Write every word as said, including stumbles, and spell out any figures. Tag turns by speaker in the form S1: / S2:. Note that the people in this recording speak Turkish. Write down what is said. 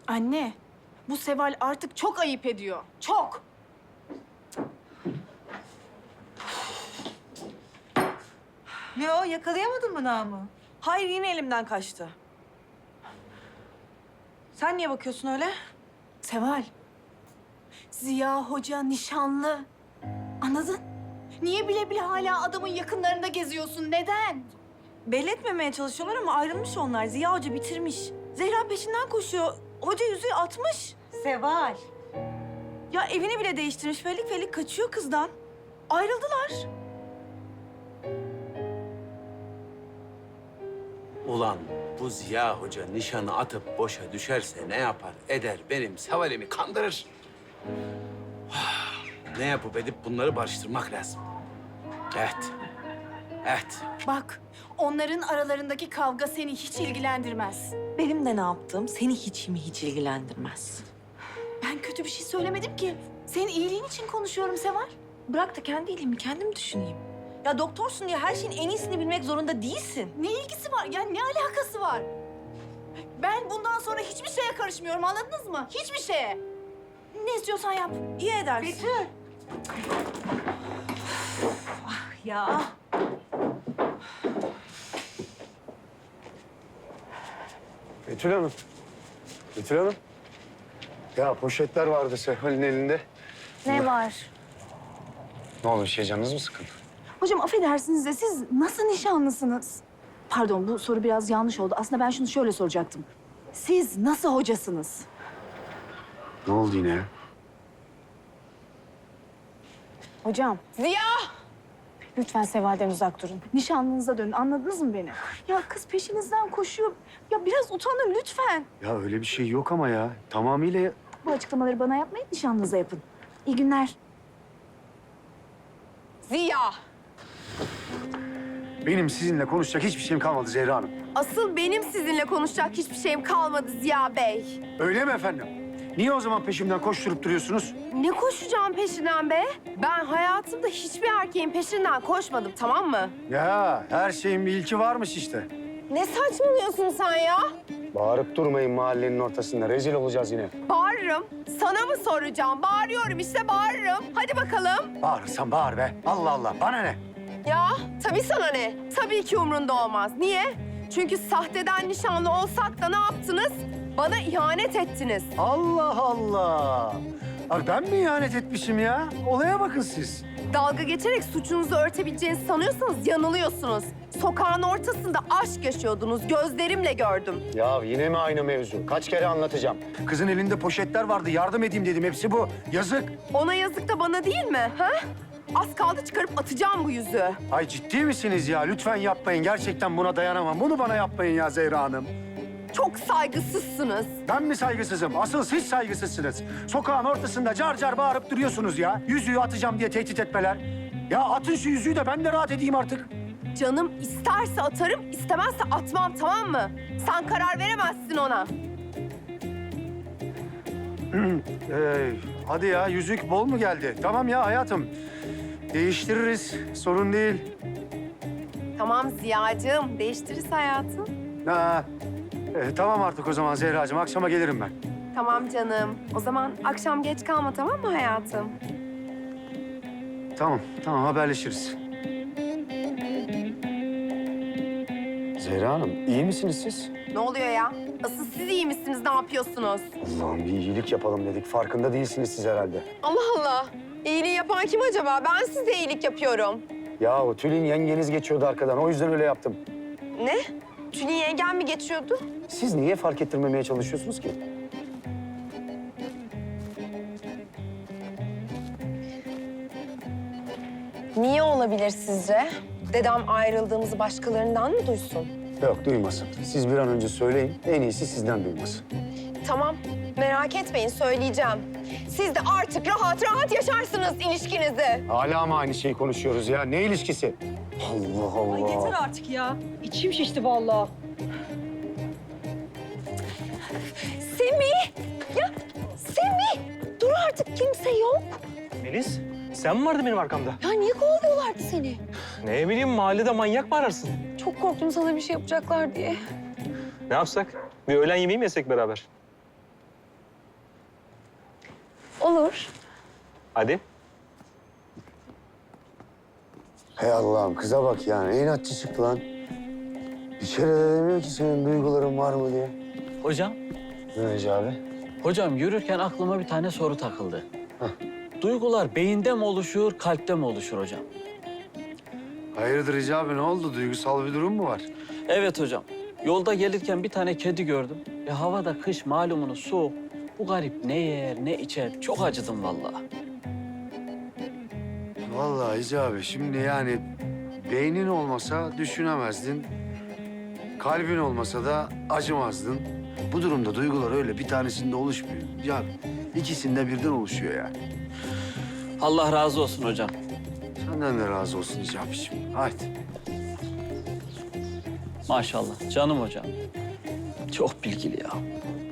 S1: Anne, bu Seval artık çok ayıp ediyor. Çok.
S2: Ne o? Yakalayamadın mı Namı?
S3: Hayır, yine elimden kaçtı. Sen niye bakıyorsun öyle?
S1: Seval, Ziya Hoca nişanlı. Anladın? Niye bile bile hala adamın yakınlarında geziyorsun? Neden?
S3: Belli etmemeye çalışıyorlar ama ayrılmış onlar. Ziya Hoca bitirmiş. Zehra peşinden koşuyor. Hoca yüzüğü atmış.
S2: Seval.
S3: Ya evini bile değiştirmiş. Felik felik kaçıyor kızdan. Ayrıldılar.
S4: Ulan bu Ziya Hoca nişanı atıp boşa düşerse ne yapar eder benim Seval'imi kandırır. Ne yapıp edip bunları barıştırmak lazım. Evet. Evet.
S1: Bak, onların aralarındaki kavga seni hiç ilgilendirmez.
S3: Benim de ne yaptığım seni hiç mi hiç ilgilendirmez.
S1: Ben kötü bir şey söylemedim ki. Senin iyiliğin için konuşuyorum Seval.
S3: Bırak da kendi iyiliğimi kendim düşüneyim. Ya doktorsun diye her şeyin en iyisini bilmek zorunda değilsin.
S1: Ne ilgisi var? Ya ne alakası var? Ben bundan sonra hiçbir şeye karışmıyorum, anladınız mı? Hiçbir şeye. Ne istiyorsan yap.
S3: İyi edersin.
S2: Betül.
S3: Ya.
S5: Betül Hanım. Betül Hanım. Ya poşetler vardı Seval'in elinde.
S1: Ne var?
S5: Ne oldu, bir şey canınız mı sıkın?
S1: Hocam affedersiniz de siz nasıl nişanlısınız? Pardon, bu soru biraz yanlış oldu. Aslında ben şunu şöyle soracaktım. Siz nasıl hocasınız?
S5: Ne oldu yine ya?
S1: Hocam. Ziya! Lütfen Seval'den uzak durun. Nişanlınıza dönün. Anladınız mı beni? Ya kız peşinizden koşuyor. Ya biraz utanın lütfen.
S5: Ya öyle bir şey yok ama ya. Tamamıyla...
S1: Bu açıklamaları bana yapmayın, nişanlınıza yapın. İyi günler.
S6: Ziya,
S5: Benim sizinle konuşacak hiçbir şeyim kalmadı Zehra Hanım.
S6: asıl benim sizinle konuşacak hiçbir şeyim kalmadı Ziya Bey.
S5: Öyle mi efendim? Niye o zaman peşimden koşturup duruyorsunuz?
S6: Ne koşacağım peşinden be? Ben hayatımda hiçbir erkeğin peşinden koşmadım, tamam mı?
S5: Ya her şeyin bir ilki varmış işte.
S6: Ne saçmalıyorsun sen ya?
S5: Bağırıp durmayın mahallenin ortasında. Rezil olacağız yine.
S6: Bağırırım. Sana mı soracağım? Bağırıyorum işte, bağırırım. Hadi bakalım.
S5: Bağırırsan bağır be. Allah Allah. Bana ne?
S6: Ya tabii sana ne? Tabii ki umrunda olmaz. Niye? Çünkü sahteden nişanlı olsak da ne yaptınız? Bana ihanet ettiniz.
S5: Allah Allah. Abi ben mi ihanet etmişim ya? Olaya bakın siz.
S6: Dalga geçerek suçunuzu örtebileceğinizi sanıyorsanız yanılıyorsunuz. Sokağın ortasında aşk yaşıyordunuz. Gözlerimle gördüm.
S5: Ya yine mi aynı mevzu? Kaç kere anlatacağım? Kızın elinde poşetler vardı. Yardım edeyim dedim. Hepsi bu. Yazık.
S6: Ona yazık da bana değil mi? Ha? Az kaldı çıkarıp atacağım bu yüzüğü.
S5: Ay ciddi misiniz ya? Lütfen yapmayın. Gerçekten buna dayanamam. Bunu bana yapmayın ya Zehra Hanım.
S6: Çok saygısızsınız.
S5: Ben mi saygısızım? Asıl siz saygısızsınız. Sokağın ortasında car car bağırıp duruyorsunuz ya. Yüzüğü atacağım diye tehdit etmeler. Ya atın şu yüzüğü de ben de rahat edeyim artık.
S6: Canım isterse atarım, istemezse atmam, tamam mı? Sen karar veremezsin ona.
S5: Ee, hadi ya yüzük bol mu geldi? Tamam ya hayatım. Değiştiririz. Sorun değil.
S6: Tamam Ziya'cığım, değiştiririz hayatım.
S5: Ha, e, tamam artık o zaman Zehracığım. Akşama gelirim ben.
S6: Tamam canım. O zaman akşam geç kalma, tamam mı hayatım?
S5: Tamam, tamam haberleşiriz. Zehra Hanım, iyi misiniz siz?
S6: Ne oluyor ya? Asıl siz iyi misiniz, ne yapıyorsunuz?
S5: Allah'ım bir iyilik yapalım dedik. Farkında değilsiniz siz herhalde.
S6: Allah Allah. İyiliği yapan kim acaba? Ben size iyilik yapıyorum.
S5: Ya o Tülin yengeniz geçiyordu arkadan. O yüzden öyle yaptım.
S6: Ne? Tülin yengem mi geçiyordu?
S5: Siz niye fark ettirmemeye çalışıyorsunuz ki?
S6: Niye olabilir sizce? Dedem ayrıldığımızı başkalarından mı duysun?
S5: Yok duymasın. Siz bir an önce söyleyin. En iyisi sizden duymasın.
S6: Tamam, merak etmeyin söyleyeceğim. Siz de artık rahat rahat yaşarsınız ilişkinizi.
S5: Hala mı aynı şeyi konuşuyoruz ya? Ne ilişkisi? Allah Allah.
S3: Ay yeter artık ya. İçim şişti vallahi.
S6: Semih! Ya Semih! Dur artık kimse yok.
S7: Melis, sen mi vardın benim arkamda?
S6: Ya niye kovalıyorlardı seni?
S7: Ne bileyim, mahallede manyak mı ararsın?
S6: Çok korktum sana bir şey yapacaklar diye.
S7: Ne yapsak? Bir öğlen yemeği mi yesek beraber?
S1: Olur.
S7: Hadi.
S5: Hey Allah'ım kıza bak ya. Ne inatçı çıktı lan. Bir kere de demiyor ki senin duyguların var mı diye.
S8: Hocam,
S5: Ne Recep abi?
S8: hocam yürürken aklıma bir tane soru takıldı. Duygular beyinde mi oluşur, kalpte mi oluşur hocam?
S5: Hayırdır Recep abi ne oldu? Duygusal bir durum mu var?
S8: Evet hocam. Yolda gelirken bir tane kedi gördüm. E havada kış malumunuz soğuk. Bu garip ne yer ne içer. Çok acıdım vallahi.
S5: Vallahi Recep abi şimdi yani beynin olmasa düşünemezdin. Kalbin olmasa da acımazdın. Bu durumda duygular öyle bir tanesinde oluşmuyor. Ya ikisinde birden oluşuyor yani.
S8: Allah razı olsun hocam.
S5: Senden de razı olsun Recep abiciğim. Haydi.
S8: Maşallah canım hocam. Çok bilgili ya.